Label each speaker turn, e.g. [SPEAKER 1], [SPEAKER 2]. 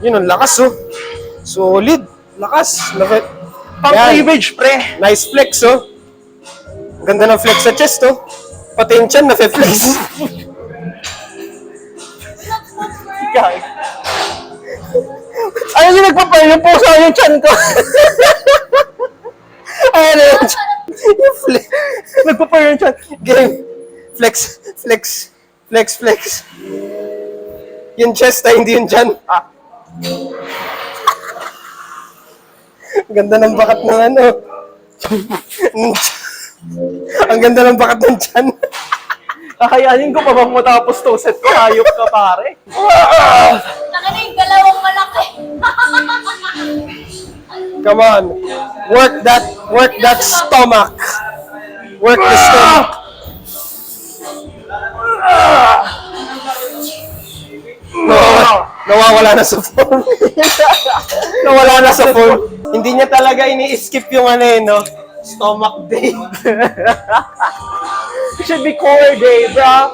[SPEAKER 1] Yun, ang lakas, oh. Solid. Lakas.
[SPEAKER 2] Pang
[SPEAKER 1] Yan.
[SPEAKER 2] cleavage, pre.
[SPEAKER 1] Nice flex, oh. Ganda ng flex sa chest, oh. Pati yung chan, nafe-flex.
[SPEAKER 2] Ayun yung nagpapay, yung puso yung chan ko.
[SPEAKER 1] Ayan na yung chan. Yung flex.
[SPEAKER 2] Nagpapay yung chan.
[SPEAKER 1] Game. Flex. Flex. Flex, flex. Yung chest, ay hindi yung chan. Ang ganda ng bakat ng ano. Ang ganda ng bakat ng chan.
[SPEAKER 2] Kakayanin ko pa bang matapos to set ko? Hayop ka, pare.
[SPEAKER 3] Taka na yung dalawang malaki.
[SPEAKER 1] Come on. Work that stomach. Work the stomach. Nawawala na sa phone. Nawala na sa phone. Hindi niya talaga ini-skip yung ano eh, no? Stomach day.
[SPEAKER 2] It should be core day, bro.